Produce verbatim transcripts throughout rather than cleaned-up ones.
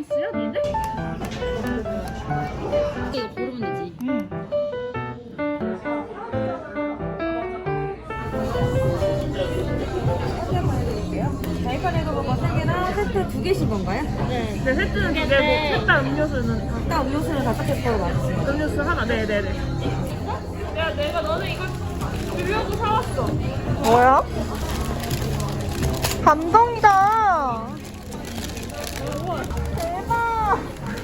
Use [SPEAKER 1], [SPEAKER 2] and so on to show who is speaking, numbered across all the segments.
[SPEAKER 1] 아이스야 니네?
[SPEAKER 2] 이거 고르면 되지.
[SPEAKER 1] 응.
[SPEAKER 3] 다이카레그버거 세 개랑 세트 두 개씩 건가요?
[SPEAKER 2] 네.
[SPEAKER 1] 네, 세트는 두 개고 셋다 음료수는 다.
[SPEAKER 3] 일단 음료수는 다섯 개 거로 맞으세요.
[SPEAKER 1] 음료수 하나. 네네네. 야, 내가 너는 이거 주려고 사왔어.
[SPEAKER 3] 뭐야? 감동이다. 대박.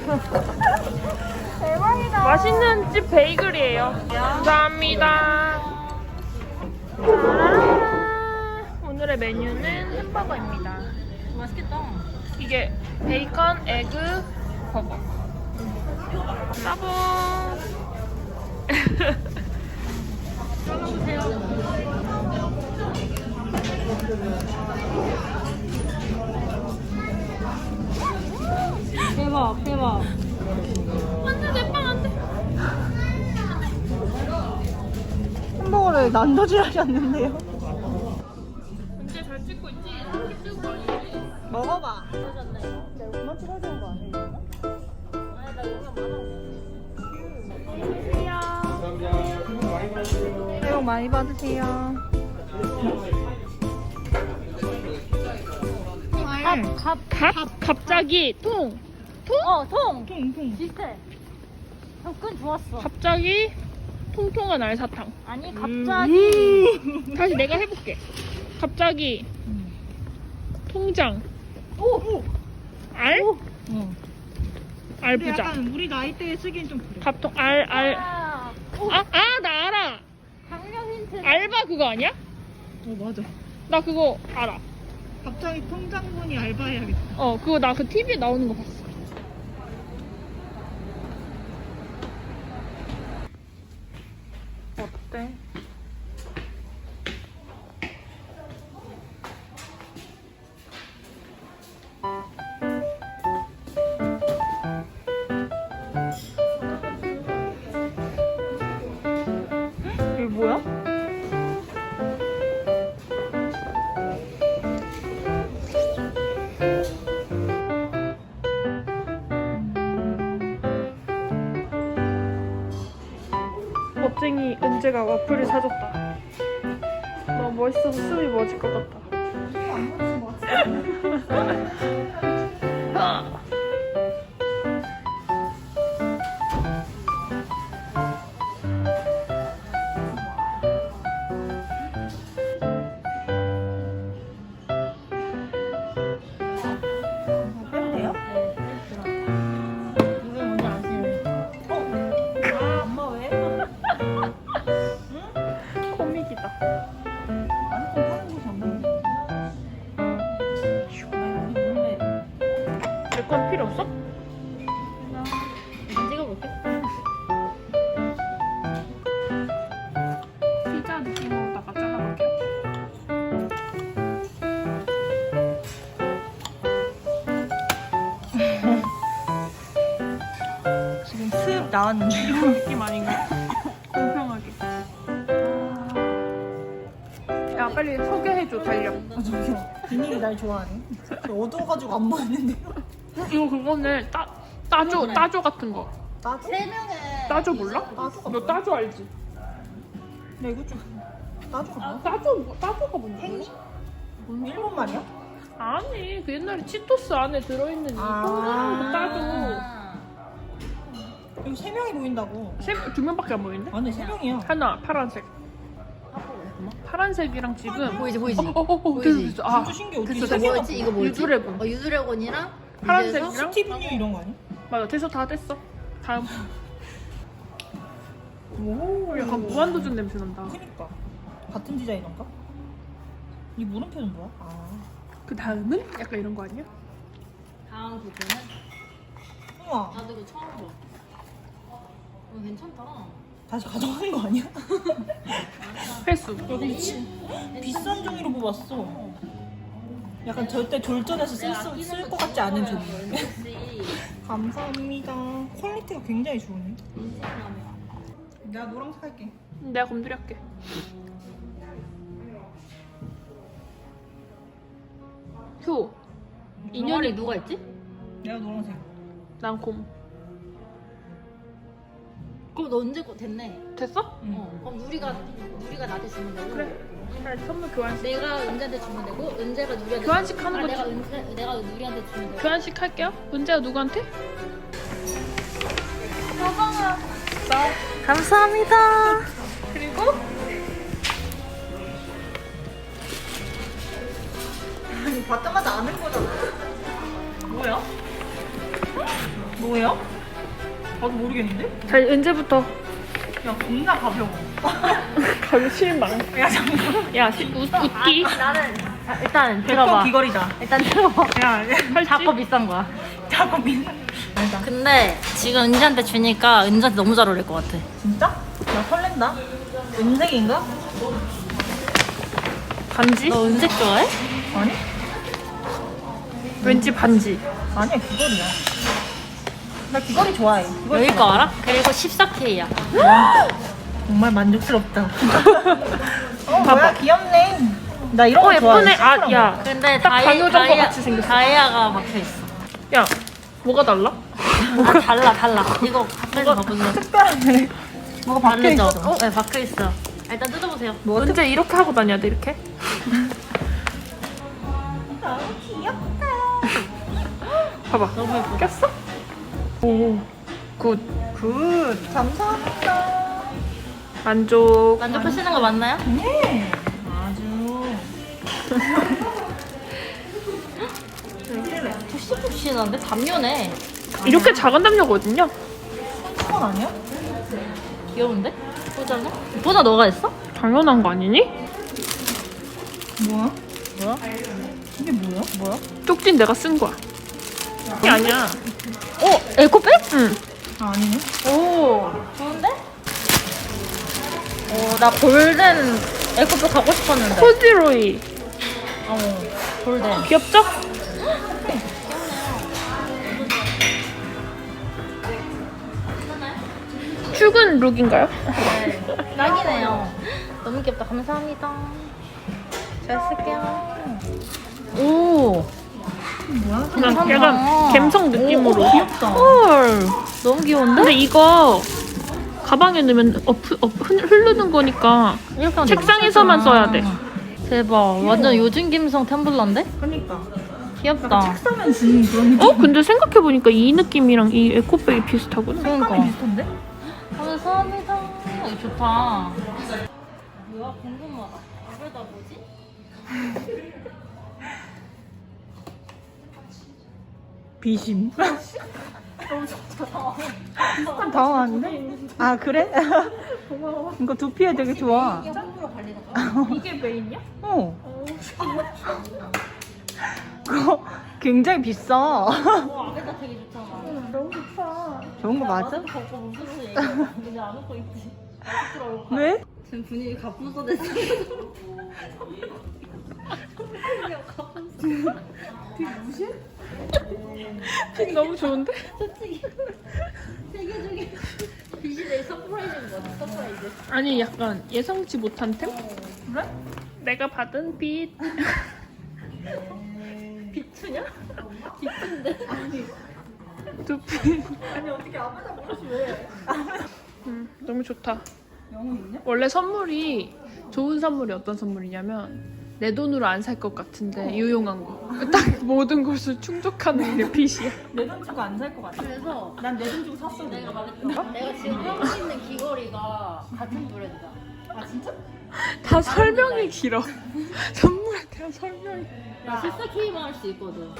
[SPEAKER 3] 대박이다.
[SPEAKER 1] 맛있는 집 베이글이에요. 감사합니다. 아, 오늘의 메뉴는 햄버거입니다.
[SPEAKER 2] 맛있겠다.
[SPEAKER 1] 이게 베이컨, 에그, 버거. 따봉.
[SPEAKER 2] 대박, 대박.
[SPEAKER 1] 안돼, 내 빵 안돼.
[SPEAKER 3] 햄버거를 난도질하셨는데요.
[SPEAKER 1] 언제 잘 찍고 있지? 이렇게 찍고 있지?
[SPEAKER 3] 먹어봐. 내가 그만 찍어야 되는 거 아니에요? 새해 복 많이 받으세요.
[SPEAKER 2] 갑, 갑,
[SPEAKER 1] 갑? 갑자기 통!
[SPEAKER 2] 어, 통.
[SPEAKER 3] 통, 통.
[SPEAKER 2] 비슷해. 접근 좋았어.
[SPEAKER 1] 갑자기 통통한 알사탕.
[SPEAKER 2] 아니, 갑자기.
[SPEAKER 1] 음. 다시 내가 해볼게. 갑자기 통장.
[SPEAKER 2] 오!
[SPEAKER 1] 알?
[SPEAKER 3] 어.
[SPEAKER 1] 알부자.
[SPEAKER 3] 약간 우리 나이대에 쓰기엔 좀 그래.
[SPEAKER 1] 갑통 알, 알.
[SPEAKER 2] 아, 오,
[SPEAKER 1] 아, 아, 나 알아.
[SPEAKER 2] 강력 힌트.
[SPEAKER 1] 알바 그거 아니야?
[SPEAKER 3] 어, 맞아.
[SPEAKER 1] 나 그거 알아.
[SPEAKER 3] 갑자기 통장분이 알바해야겠다.
[SPEAKER 1] 어, 그거 나 그 티비에 나오는 거 봤어. 어때? 이게 뭐야? 멋쟁이 은재가 와플을 사줬다. 너무 멋있어서 숨이 멎을 것 같다.
[SPEAKER 3] 안 보이는 것 같아. 빼면 돼요?
[SPEAKER 2] 이걸 먼저 아시는.
[SPEAKER 3] 아, 엄마 왜?
[SPEAKER 1] 코믹이다.
[SPEAKER 3] 아니, 좀 하는 곳이 없는데.
[SPEAKER 1] 내 건 필요 없어?
[SPEAKER 2] 이거 찍어볼게.
[SPEAKER 1] 피자 느낌으로다가 잘라볼게요.
[SPEAKER 3] 지금 슥 나왔는데.
[SPEAKER 1] 이런 느낌 아닌가? 공평하게. 야, 빨리 소개해줘, 달력.
[SPEAKER 3] 아, 저기요. 비닐이 날 좋아하네. 저 어두워가지고 안 보이는데요?
[SPEAKER 1] 이거 그거네. 따, 따조, 따조 같은 거.
[SPEAKER 3] 나도?
[SPEAKER 2] 세 명의.
[SPEAKER 1] 따조 몰라?
[SPEAKER 3] 따조가
[SPEAKER 1] 너 따조 알지?
[SPEAKER 3] 나 이거 좀. 따조가 뭐야?
[SPEAKER 1] 따조, 뭐- 따조가 뭔지 몰라?
[SPEAKER 3] 일본 말이야?
[SPEAKER 1] 아니, 그 옛날에 치토스 안에 들어있는 이
[SPEAKER 3] 아.
[SPEAKER 1] 동그란 그 따조.
[SPEAKER 2] 아.
[SPEAKER 3] 여기 세 명이 보인다고.
[SPEAKER 1] 세, 두 명밖에 안 보이는데?
[SPEAKER 3] 아니, 세 명이야.
[SPEAKER 1] 하나, 파란색. 파란색이랑 지금.
[SPEAKER 2] 보이지, 보이지.
[SPEAKER 1] 어, 어, 어, 어,
[SPEAKER 2] 보이지?
[SPEAKER 1] 됐어, 됐어. 아,
[SPEAKER 3] 진짜 신기해. 어떻게
[SPEAKER 1] 됐어,
[SPEAKER 3] 세
[SPEAKER 1] 됐어.
[SPEAKER 3] 개나
[SPEAKER 2] 뭐였지? 이거 뭐였지?
[SPEAKER 1] 유드래곤.
[SPEAKER 2] 어, 유드래곤이랑
[SPEAKER 1] 파란색이랑?
[SPEAKER 2] 밑에서
[SPEAKER 3] 스티븐 유 이런 거 아니야?
[SPEAKER 1] 맞아, 됐어, 다 됐어. 다음.
[SPEAKER 3] 오.
[SPEAKER 1] 약간 무한도전 냄새 난다.
[SPEAKER 3] 그니까. 같은 디자이너인가? 이 물음표는 뭐야? 아.
[SPEAKER 1] 그 다음은? 약간 이런 거 아니야?
[SPEAKER 2] 다음 부분은
[SPEAKER 3] 우와.
[SPEAKER 2] 나도 이거 처음 봐. 어, 괜찮다.
[SPEAKER 3] 다시 가져가는 거 아니야?
[SPEAKER 1] 횟수.
[SPEAKER 3] 여기 치, 비싼 종이로 뽑았어. 약간 절대 졸전에서 쓸 것 같지 않은 종이. 감사합니다. 퀄리티가 굉장히 좋으네. 내가 노란색 할게.
[SPEAKER 1] 내가 곰돌이 할게. 효.
[SPEAKER 2] 인연이 누가 있지?
[SPEAKER 3] 내가 노란색.
[SPEAKER 1] 난 곰.
[SPEAKER 2] 그럼 너 언제 거 됐네.
[SPEAKER 1] 됐어?
[SPEAKER 2] 어. 그럼 누리가 누리가 나한테 주면 되고.
[SPEAKER 1] 그래. 자, 선물 교환식.
[SPEAKER 2] 내가 은재한테 주면 되고 은재가 누리한테.
[SPEAKER 1] 교환식
[SPEAKER 2] 주면-
[SPEAKER 1] 하는
[SPEAKER 2] 아,
[SPEAKER 1] 거지.
[SPEAKER 2] 내가 은재 내가 누리한테 주면 되고.
[SPEAKER 1] 교환식 할게요. 은재가 누구한테? 자,
[SPEAKER 3] 감사합니다.
[SPEAKER 1] 그리고
[SPEAKER 3] 아니 받자마자 아는 거잖아. 뭐야? 뭐예요? 나도 모르겠는데?
[SPEAKER 1] 자, 은재부터.
[SPEAKER 3] 야 겁나 가벼워.
[SPEAKER 1] 가기 실망.
[SPEAKER 3] 야 잠깐.
[SPEAKER 1] 야, 시, 웃, 웃기.
[SPEAKER 2] 나는 자, 일단
[SPEAKER 3] 백퍼
[SPEAKER 2] 들어봐.
[SPEAKER 3] 귀걸이다.
[SPEAKER 2] 일단 들어봐.
[SPEAKER 3] 야
[SPEAKER 2] 자꾸 비싼 거야.
[SPEAKER 3] 자꾸 민사. 알다.
[SPEAKER 2] 근데 지금 은지한테 주니까 은지한테 너무 잘 어울릴 것 같아.
[SPEAKER 3] 진짜? 나 설렌다. 은색인가?
[SPEAKER 1] 반지?
[SPEAKER 2] 너 은색 좋아해?
[SPEAKER 3] 아니?
[SPEAKER 1] 왠지 반지.
[SPEAKER 3] 아니야 귀걸이야. 나 귀걸이 좋아해. 귀걸이
[SPEAKER 2] 여기 거 알아? 그리고 십사 케이야.
[SPEAKER 3] 정말 만족스럽다. 어
[SPEAKER 1] 봐봐.
[SPEAKER 3] 뭐야 귀엽네. 나 이런
[SPEAKER 1] 어,
[SPEAKER 3] 거 좋아해.
[SPEAKER 1] 예쁘네. 아, 야.
[SPEAKER 2] 근데
[SPEAKER 1] 딱
[SPEAKER 2] 다이,
[SPEAKER 1] 강요정 거
[SPEAKER 2] 다이아,
[SPEAKER 1] 같이 생겼어.
[SPEAKER 2] 다이아가 박혀 있어.
[SPEAKER 1] 야, 뭐가 달라?
[SPEAKER 2] 아, 달라 달라. 이거 가까이 가보세요.
[SPEAKER 3] 특별하네. 뭐가 박혀
[SPEAKER 2] 다르죠?
[SPEAKER 3] 있어?
[SPEAKER 2] 어? 네, 박혀 있어. 일단 뜯어보세요.
[SPEAKER 3] 뭐
[SPEAKER 1] 은재 이렇게 하고 다녀야 돼, 이렇게?
[SPEAKER 3] 너무 귀엽다.
[SPEAKER 1] 봐봐.
[SPEAKER 2] 너무 예뻐.
[SPEAKER 1] 꼈어? 오, 굿.
[SPEAKER 3] 굿. 감사합니다.
[SPEAKER 1] 만족.
[SPEAKER 2] 만족하시는 거 맞나요?
[SPEAKER 3] 네. 아주.
[SPEAKER 2] 푹신푹신한데 담요네.
[SPEAKER 1] 이렇게 작은 담요거든요?
[SPEAKER 3] 손수건 아니야?
[SPEAKER 2] 귀여운데? 포자는? 포자 너가 했어?
[SPEAKER 1] 당연한 거 아니니?
[SPEAKER 3] 뭐야?
[SPEAKER 2] 뭐야?
[SPEAKER 3] 이게 뭐야?
[SPEAKER 2] 뭐야?
[SPEAKER 1] 쪽진 내가 쓴 거야. 이게 아니야.
[SPEAKER 2] 어? 에코백?
[SPEAKER 1] 응.
[SPEAKER 3] 아, 아니네.
[SPEAKER 2] 오 좋은데? 오나 골든 에코백 가고 싶었는데.
[SPEAKER 1] 코지로이.
[SPEAKER 2] 어 골든.
[SPEAKER 1] 귀엽죠? 출근 룩인가요?
[SPEAKER 2] 네. 딱이네요. 너무 귀엽다. 감사합니다. 잘 쓸게요. 오
[SPEAKER 3] 뭐야?
[SPEAKER 1] 그냥
[SPEAKER 2] 괜찮다.
[SPEAKER 1] 약간 갬성 느낌으로.
[SPEAKER 3] 오, 귀엽다.
[SPEAKER 1] 헐.
[SPEAKER 2] 너무 귀여운데?
[SPEAKER 1] 근데 이거 가방에 넣으면 업, 업, 흐- 흐르는 거니까
[SPEAKER 2] 이렇게 하면
[SPEAKER 1] 책상에서만 써야 돼.
[SPEAKER 2] 대박. 완전 요즘 감성 텀블러인데?
[SPEAKER 3] 그러니까.
[SPEAKER 2] 귀엽다.
[SPEAKER 3] 책 사면 주는 그런 느낌.
[SPEAKER 1] 어? 근데 생각해보니까 이 느낌이랑 이 에코백이 비슷하구나.
[SPEAKER 2] 그러니까.
[SPEAKER 3] 색감이 비슷한데?
[SPEAKER 2] 감사합니다. 이거 좋다. 뭐야? 궁금하다. 이걸 다 뭐지?
[SPEAKER 3] 비심. 약간 당황한데? 아 그래? 고마워. 이거 두피에 되게 좋아.
[SPEAKER 2] 짱구로 발리는 거?
[SPEAKER 1] 이게 메인이야?
[SPEAKER 3] 어. 그거 굉장히 비싸.
[SPEAKER 2] 어, 아베다 되게 좋잖아.
[SPEAKER 1] 너무 좋다.
[SPEAKER 3] 좋은 거 맞아?
[SPEAKER 2] 벗고 무슨 소리 얘기해. 이제 안 웃고 있지. 부끄러워.
[SPEAKER 3] 왜?
[SPEAKER 2] 지금 분위기 가뿐서 됐어.
[SPEAKER 1] 핀 너무 좋은데?
[SPEAKER 2] 솔직히 세계 중에 빛이 내 서프라이즈인 거 같아. 서프라이즈.
[SPEAKER 1] 아니 약간 예상치 못한 템?
[SPEAKER 3] 그래?
[SPEAKER 1] 내가 받은 빛.
[SPEAKER 2] 비추냐? 비추인데?
[SPEAKER 1] 두피.
[SPEAKER 3] 아니 어떻게 아무나 모르지 왜?
[SPEAKER 1] 음, 너무 좋다.
[SPEAKER 3] 영혼 있냐?
[SPEAKER 1] 원래 선물이 좋은 선물이 어떤 선물이냐면 내 돈으로 안 살 것 같은데 유용한 거. 딱 모든 것을 충족하는 게 빛이야.
[SPEAKER 3] 내 돈 주고 안 살 것 같아.
[SPEAKER 2] 그래서
[SPEAKER 3] 난 내 돈 주고 샀어.
[SPEAKER 2] 내가 말했다. 내가 지금 하고 있는 귀걸이가 같은 브랜드야.
[SPEAKER 3] 아 진짜?
[SPEAKER 1] 다 설명이 길어. 선물에 대한 설명이.
[SPEAKER 2] 나 십사 케이만 할 수 있거든.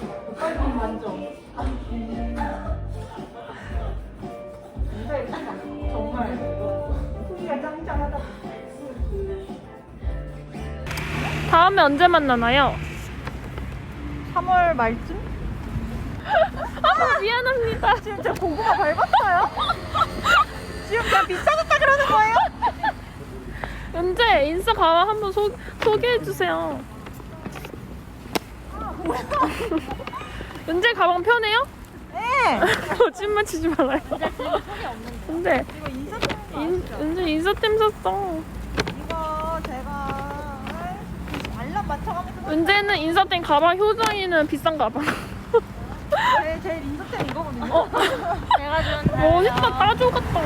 [SPEAKER 3] 정말 후기가 짱짱하다.
[SPEAKER 1] 다음에 언제 만나나요?
[SPEAKER 3] 삼월 말쯤?
[SPEAKER 1] 아 미안합니다.
[SPEAKER 3] 지금 저 고구마 밟았어요? 지금 그냥 비싸졌다 그러는 거예요?
[SPEAKER 1] 은재 인스타 가방 한번 소, 소개해 주세요. 은재 가방 편해요?
[SPEAKER 3] 네.
[SPEAKER 1] 거짓말 치지 말아요. 근데
[SPEAKER 3] 이거 인사템
[SPEAKER 1] 인, 은재 인스타템 샀어.
[SPEAKER 3] 이거 제가 알람 맞춰가면서
[SPEAKER 1] 은재는 인스타템 가방, 효정이는 비싼 가방.
[SPEAKER 3] 제, 제 제 린저템 이거거든요.
[SPEAKER 2] 내가 좋은데.
[SPEAKER 1] 멋있다, 따조 같다.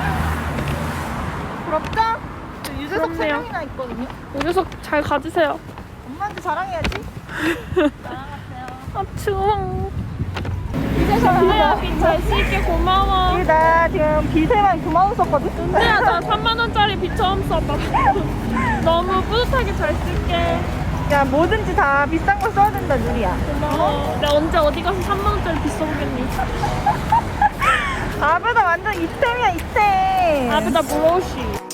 [SPEAKER 3] 부럽죠? 저 유재석 세
[SPEAKER 1] 부럽네요.
[SPEAKER 3] 명이나 있거든요.
[SPEAKER 1] 이 녀석 잘 가지세요.
[SPEAKER 3] 엄마한테 자랑해야지.
[SPEAKER 2] 사랑하세요.
[SPEAKER 1] 아, 추워. 은혜야, 빚잘 쓸게. 고마워.
[SPEAKER 3] 이게 나 지금 빚에만 구만 원 썼거든?
[SPEAKER 1] 은혜야, 나 삼만 원짜리 빚 처음 써봐. 너무 뿌듯하게 잘 쓸게.
[SPEAKER 3] 야, 뭐든지 다 비싼 걸 써야 된다, 누리야.
[SPEAKER 1] 고마워. 내가 언제 어디 가서 삼만 원짜리 빚 써보겠니?
[SPEAKER 3] 아베다 완전 이템이야, 이템.
[SPEAKER 1] 아베다 물어오시.